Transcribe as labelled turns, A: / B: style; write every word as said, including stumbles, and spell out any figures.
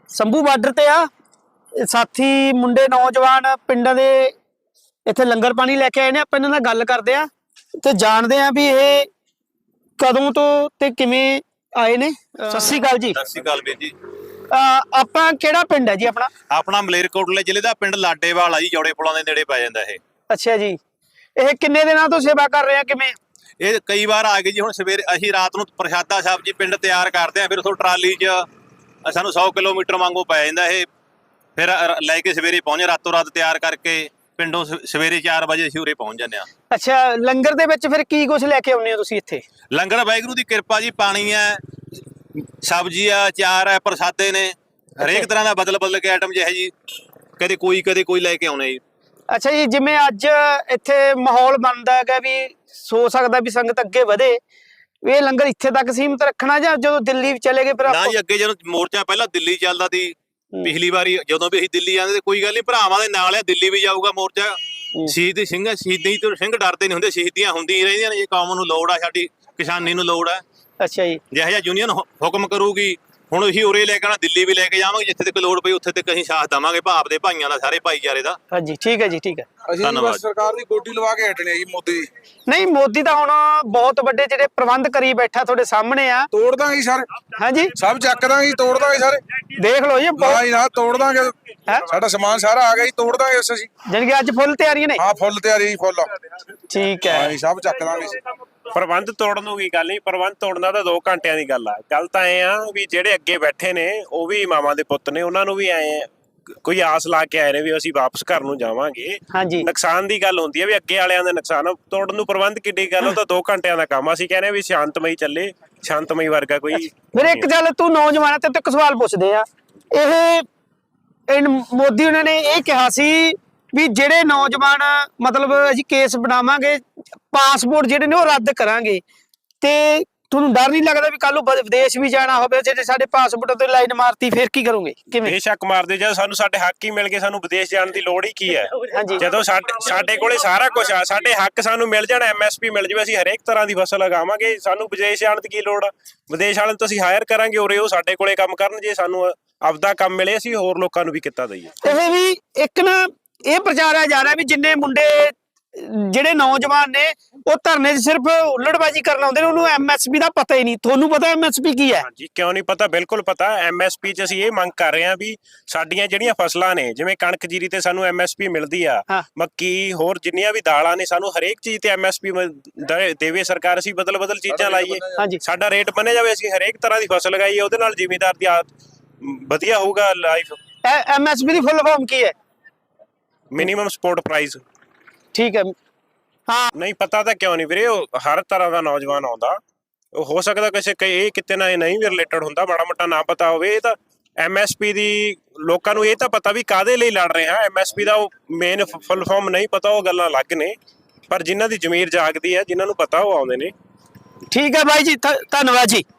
A: ਸੰਭੂ border ਤੇ ਆ ਸਾਥੀ ਮੁੰਡੇ ਨੌਜਵਾਨ ਪਿੰਡਾਂ ਦੇ ਇੱਥੇ ਲੰਗਰ ਪਾਣੀ ਲੈ ਕੇ ਆਏ ਨੇ। ਆਪਾਂ ਇਹਨਾਂ ਨਾਲ ਗੱਲ ਕਰਦੇ ਆ ਤੇ ਜਾਣਦੇ ਆ ਵੀ ਇਹ ਕਦੋਂ ਤੋਂ ਤੇ ਕਿਵੇਂ ਆਏ ਨੇ। ਸਤਿ ਸ਼੍ਰੀ ਅਕਾਲ ਜੀ।
B: ਸਤਿ ਸ਼੍ਰੀ ਅਕਾਲ ਵੀਰ ਜੀ।
A: ਆਪਾਂ ਕਿਹੜਾ ਪਿੰਡ ਹੈ ਜੀ ਆਪਣਾ?
B: ਆਪਣਾ ਮਲੇਰਕੋਟਲੇ ਜ਼ਿਲ੍ਹੇ ਦਾ ਪਿੰਡ ਲਾਡੇਵਾਲ ਆ ਜੀ, ਜੋੜੇ ਪੁਲਾਂ ਦੇ ਨੇੜੇ ਪੈ ਜਾਂਦਾ ਇਹ।
A: ਅੱਛਾ ਜੀ। ਇਹ ਕਿੰਨੇ ਦਿਨਾਂ ਤੋਂ ਸੇਵਾ ਕਰ ਰਹੇ ਆ, ਕਿਵੇਂ?
B: ਇਹ ਕਈ ਵਾਰ ਆ ਗਏ ਜੀ। ਹੁਣ ਸਵੇਰੇ ਅਸੀਂ ਰਾਤ ਨੂੰ ਪ੍ਰਸ਼ਾਦਾ ਸਬਜ਼ੀ ਪਿੰਡ ਤਿਆਰ ਕਰਦੇ ਆ, ਫਿਰ ਉਥੋਂ ਟਰਾਲੀ 'ਚ ਸਾਨੂੰ ਸੌ ਕਿਲੋਮੀਟਰ ਵਾਂਗੂ ਪੈ ਜਾਂਦਾ ਇਹ। ਫਿਰ ਲੈ ਕੇ ਸਵੇਰੇ ਪਹੁੰਚੇ, ਰਾਤੋਂ ਰਾਤ ਤਿਆਰ ਕਰਕੇ ਪਿੰਡੋਂ ਸਵੇਰੇ ਚਾਰ ਵਜੇ ਅਸੀਂ ਉਰੇ ਪਹੁੰਚ ਜਾਂਦੇ ਆ।
A: ਅੱਛਾ, ਲੰਗਰ ਦੇ ਵਿੱਚ ਫਿਰ ਕੀ ਕੁਝ ਲੈ ਕੇ ਆਉਂਦੇ ਹੋ ਤੁਸੀਂ ਇੱਥੇ?
B: ਲੰਗਰ ਵਾਹਿਗੁਰੂ ਦੀ ਕਿਰਪਾ ਜੀ, ਪਾਣੀ ਹੈ, ਸਬਜ਼ੀ ਆ, ਚਾਰ ਹੈ, ਪ੍ਰਸਾਦੇ ਨੇ, ਹਰੇਕ ਤਰ੍ਹਾਂ ਦਾ ਬਦਲ ਬਦਲ ਕੇ ਆਈਟਮ ਜਿਹੇ ਜੀ, ਕਦੇ ਕੋਈ ਕਦੇ ਕੋਈ ਲੈ ਕੇ ਆਉਣੇ ਜੀ।
A: ਅੱਛਾ ਜੀ, ਜਿਵੇਂ ਅੱਜ ਇੱਥੇ ਮਾਹੌਲ ਬਣਦਾ ਹੈਗਾ ਵੀ ਸੋ ਸਕਦਾ ਵੀ ਸੰਗਤ ਅੱਗੇ ਵਧੇ, ਇਹ ਲੰਗਰ ਇੱਥੇ ਤੱਕ ਸੀਮਤ ਰੱਖਣਾ ਜਾਂ ਜਦੋਂ ਦਿੱਲੀ ਚਲੇ ਗਏ ਫਿਰ?
B: ਨਾ ਜੀ, ਅੱਗੇ ਜਦੋਂ ਮੋਰਚਾ ਪਹਿਲਾਂ ਦਿੱਲੀ ਚੱਲਦਾ ਸੀ, ਪਿਛਲੀ ਵਾਰੀ ਜਦੋਂ ਵੀ ਅਸੀਂ ਦਿੱਲੀ ਜਾਂਦੇ ਤੇ ਕੋਈ ਗੱਲ ਨਹੀਂ, ਭਰਾਵਾਂ ਦੇ ਨਾਲ ਆ, ਦਿੱਲੀ ਵੀ ਜਾਊਗਾ ਮੋਰਚਾ। ਸ਼ਹੀਦ ਸਿੰਘ ਸ਼ਹੀਦੀ ਤੋਂ ਸਿੰਘ ਡਰਦੇ ਨਹੀਂ ਹੁੰਦੇ, ਸ਼ਹੀਦੀਆਂ ਹੁੰਦੀਆਂ ਰਹਿੰਦੀਆਂ ਨੇ। ਜੇ ਕੌਮ ਨੂੰ ਲੋੜ ਆ, ਸਾਡੀ ਕਿਸਾਨੀ ਨੂੰ ਲੋੜ ਆ। ਅੱਛਾ ਜੀ। ਜਿਹੋ ਜਿਹਾ ਯੂਨੀਅਨ ਹੁਕਮ ਕਰੂਗੀ, ਹੁਣ ਅਸੀਂ ਉਰੇ ਲੈ ਕੇ ਆਣਾ, ਦਿੱਲੀ ਵੀ ਲੈ ਕੇ ਜਾਵਾਂਗੇ, ਜਿੱਥੇ ਤੱਕ ਲੋੜ ਪਈ ਉੱਥੇ ਤੱਕ ਅਸੀਂ ਸਾਥ ਦੇਵਾਂਗੇ, ਭਾਪ ਦੇ ਭਾਈਆਂ ਦਾ, ਸਾਰੇ ਭਾਈਚਾਰੇ ਦਾ। ਹਾਂਜੀ, ਠੀਕ ਹੈ ਜੀ, ਠੀਕ ਹੈ।
C: ਅਸੀਂ ਬਸ ਸਰਕਾਰ ਦੀ ਗੋਡੀ ਲਵਾ ਕੇ ਹਟਣੇ ਜੀ। ਮੋਦੀ
A: ਨਹੀਂ, ਮੋਦੀ ਤਾਂ ਹੁਣ ਬਹੁਤ ਵੱਡੇ ਜਿਹੜੇ ਪ੍ਰਬੰਧ ਕਰੀ ਬੈਠਾ ਤੁਹਾਡੇ ਸਾਹਮਣੇ ਆ।
C: ਤੋੜ ਦਾਂਗੇ ਸਰ।
A: ਹਾਂਜੀ,
C: ਸਭ ਚੱਕ ਦਾਂਗੇ, ਤੋੜ ਦਾਂਗੇ ਸਾਰੇ।
A: ਦੇਖ ਲਓ ਜੀ,
C: ਨਾ ਜੀ ਨਾ, ਤੋੜ ਦਾਂਗੇ। ਸਾਡਾ ਸਮਾਨ ਸਾਰਾ ਆ ਗਿਆ ਜੀ, ਤੋੜ ਦਾਂਗੇ ਅਸੀਂ।
A: ਜਾਨੀ ਕਿ ਅੱਜ ਫੁੱਲ ਤਿਆਰੀਆਂ ਨੇ?
C: ਹਾਂ, ਫੁੱਲ ਤਿਆਰੀ, ਫੁੱਲ।
A: ਠੀਕ ਹੈ।
C: ਹਾਂ ਜੀ, ਸਭ ਚੱਕ ਦਾਂਗੇ।
D: ਪ੍ਰਬੰਧ ਤੋੜਨ ਨੂੰ ਕੀ ਗੱਲ ਨਹੀਂ, ਪ੍ਰਬੰਧ ਤੋੜਨਾ ਤਾਂ ਦੋ ਘੰਟਿਆਂ ਦੀ ਗੱਲ ਆ। ਗੱਲ ਤਾਂ ਐ ਆ ਵੀ ਜਿਹੜੇ ਅੱਗੇ ਬੈਠੇ ਨੇ ਉਹ ਵੀ ਮਾਵਾਂ ਦੇ ਪੁੱਤ ਨੇ, ਉਹਨਾਂ ਨੂੰ ਵੀ ਐ ਕੋਈ ਆਸ ਲਾ ਕੇ ਆਏ ਨੇ ਵੀ ਅਸੀਂ ਵਾਪਸ ਘਰ ਨੂੰ ਜਾਵਾਂਗੇ।
A: ਹਾਂਜੀ,
D: ਨੁਕਸਾਨ ਦੀ ਗੱਲ ਹੁੰਦੀ ਹੈ ਵੀ ਅੱਗੇ ਵਾਲਿਆਂ ਦਾ ਨੁਕਸਾਨ, ਤੋੜਨ ਨੂੰ ਪ੍ਰਬੰਧ ਕਿੱਡੀ ਗੱਲ, ਉਹ ਤਾਂ ਦੋ ਘੰਟਿਆਂ ਦਾ ਕੰਮ। ਅਸੀਂ ਕਹਿੰਦੇ ਵੀ ਸ਼ਾਂਤਮਈ ਚੱਲੇ, ਸ਼ਾਂਤਮਈ ਵਰਗਾ ਕੋਈ।
A: ਫਿਰ ਇੱਕ ਗੱਲ, ਤੂੰ ਨੌਜਵਾਨ ਤੇ ਇੱਕ ਸਵਾਲ ਪੁੱਛਦੇ ਆ। ਇਹ ਮੋਦੀ ਉਹਨਾਂ ਨੇ ਇਹ ਕਿਹਾ ਸੀ ਵੀ ਜਿਹੜੇ ਨੌਜਵਾਨ ਮਤਲਬ ਅਸੀਂ ਕੇਸ ਬਣਾਵਾਂਗੇ, ਪਾਸਪੋਰਟ ਜਿਹੜੇ ਨੇ ਉਹ ਰੱਦ ਕਰਾਂਗੇ, ਤੇ ਤੁਹਾਨੂੰ ਡਰ ਨਹੀਂ ਲੱਗਦਾ ਵੀ ਕੱਲ ਨੂੰ ਵਿਦੇਸ਼ ਵੀ ਜਾਣਾ ਹੋਵੇ, ਜੇ ਸਾਡੇ ਪਾਸਪੋਰਟ ਤੇ ਲਾਈਨ ਮਾਰਤੀ ਫਿਰ ਕੀ ਕਰੋਗੇ? ਕਿਵੇਂ?
D: ਬੇਸ਼ੱਕ ਮਾਰਦੇ, ਜਦ ਸਾਨੂੰ ਸਾਡੇ ਹੱਕ ਹੀ ਮਿਲ ਗਏ, ਸਾਨੂੰ ਵਿਦੇਸ਼ ਜਾਣ ਦੀ ਲੋੜ ਹੀ ਕੀ ਹੈ? ਜਦੋਂ ਸਾਡੇ ਸਾਡੇ ਕੋਲੇ ਸਾਰਾ ਕੁਝ ਆ, ਸਾਡੇ ਹੱਕ ਸਾਨੂੰ ਮਿਲ ਜਾਣ, ਐਮ ਐਸ ਪੀ ਮਿਲ ਜਾਵੇ, ਅਸੀਂ ਹਰੇਕ ਤਰ੍ਹਾਂ ਦੀ ਫਸਲ ਲਗਾਵਾਂਗੇ, ਸਾਨੂੰ ਵਿਦੇਸ਼ ਜਾਣ ਦੀ ਕੀ ਲੋੜ ਆ? ਵਿਦੇਸ਼ ਵਾਲਿਆਂ ਨੂੰ ਤਾਂ ਅਸੀਂ ਹਾਇਰ ਕਰਾਂਗੇ, ਉਰੇ ਉਹ ਸਾਡੇ ਕੋਲੇ ਕੰਮ ਕਰਨ। ਜੇ ਸਾਨੂੰ ਆਪਦਾ ਕੰਮ ਮਿਲੇ, ਅਸੀਂ ਹੋਰ ਲੋਕਾਂ ਨੂੰ ਵੀ ਕਿੱਤਾ ਦਈਏ।
A: ਇਹ ਵੀ ਇੱਕ ਨਾ ਇਹ ਪ੍ਰਚਾਰਿਆ ਜਾ ਰਿਹਾ ਵੀ ਜਿੰਨੇ ਮੁੰਡੇ ਜਿਹੜੇ ਨੌਜਵਾਨ ਨੇ ਉਹ ਧਰਨੇ 'ਚ ਸਿਰਫ ਉਲੜਬਾਜੀ ਕਰਨ ਆਉਂਦੇ ਨੇ, ਉਹਨੂੰ ਐਮ ਐਸ ਪੀ ਦਾ ਪਤਾ ਹੀ ਨਹੀਂ। ਤੁਹਾਨੂੰ ਪਤਾ ਐਮ ਐਸ ਪੀ ਕੀ ਹੈ?
D: ਹਾਂਜੀ, ਕਿਉਂ ਨਹੀਂ ਪਤਾ, ਬਿਲਕੁਲ ਪਤਾ। ਐਮ ਐਸ ਪੀ 'ਚ ਅਸੀਂ ਇਹ ਮੰਗ ਕਰ ਰਹੇ ਹਾਂ ਵੀ ਸਾਡੀਆਂ ਜਿਹੜੀਆਂ ਫਸਲਾਂ ਨੇ, ਜਿਵੇਂ ਕਣਕ ਜੀਰੀ ਤੇ ਸਾਨੂੰ ਐਮ ਐਸ ਪੀ ਮਿਲਦੀ ਆ, ਮੱਕੀ, ਹੋਰ ਜਿੰਨੀਆਂ ਵੀ ਦਾਲਾਂ ਨੇ, ਸਾਨੂੰ ਹਰੇਕ ਚੀਜ਼ ਤੇ ਐਮ ਐਸ ਪੀ ਦੇਵੇ ਸਰਕਾਰ। ਅਸੀਂ ਬਦਲ ਬਦਲ ਚੀਜ਼ਾਂ ਲਾਈਏ, ਸਾਡਾ ਰੇਟ ਬੰਨਿਆ ਜਾਵੇ, ਅਸੀਂ ਹਰੇਕ ਤਰ੍ਹਾਂ ਦੀ ਫਸਲ ਲਗਾਈਏ, ਉਹਦੇ ਨਾਲ ਜ਼ਿਮੀਂਦਾਰ ਦੀ ਵਧੀਆ ਹੋਊਗਾ ਲਾਈਫ।
A: ਐਮ ਐਸ ਪੀ ਦੀ ਫੁੱਲ ਫਾਰਮ ਕੀ ਹੈ?
D: Minimum support price.
A: ਠੀਕ ਹੈ। ਹਾਂ,
D: ਨਹੀਂ ਪਤਾ ਤਾਂ ਕਿਉਂ ਨਹੀਂ ਵੀਰੇ, ਉਹ ਹਰ ਤਰ੍ਹਾਂ ਦਾ ਨੌਜਵਾਨ ਆਉਂਦਾ, ਉਹ ਹੋ ਸਕਦਾ ਕਿਸੇ ਇਹ ਕਿਤੇ ਨਾ ਇਹ ਨਹੀਂ ਵੀ ਰਿਲੇਟਡ ਹੁੰਦਾ, ਮਾੜਾ ਮੋਟਾ ਨਾ ਪਤਾ ਹੋਵੇ। ਇਹ ਤਾਂ ਐਮ ਐਸ ਪੀ ਦੀ ਲੋਕਾਂ ਨੂੰ ਇਹ ਤਾਂ ਪਤਾ ਵੀ ਕਾਹਦੇ ਲਈ ਲੜ ਰਹੇ ਹਾਂ। ਐਮ ਐਸ ਪੀ ਦਾ ਉਹ ਮੇਨ ਫੁੱਲ ਫਾਰਮ ਨਹੀਂ ਪਤਾ, ਉਹ ਗੱਲਾਂ ਅਲੱਗ ਨੇ, ਪਰ ਜਿਨ੍ਹਾਂ ਦੀ ਜ਼ਮੀਰ ਜਾਗਦੀ ਹੈ, ਜਿਨ੍ਹਾਂ ਨੂੰ ਪਤਾ ਉਹ ਆਉਂਦੇ ਨੇ।
A: ਠੀਕ ਹੈ ਬਾਈ ਜੀ, ਧੰਨਵਾਦ ਜੀ।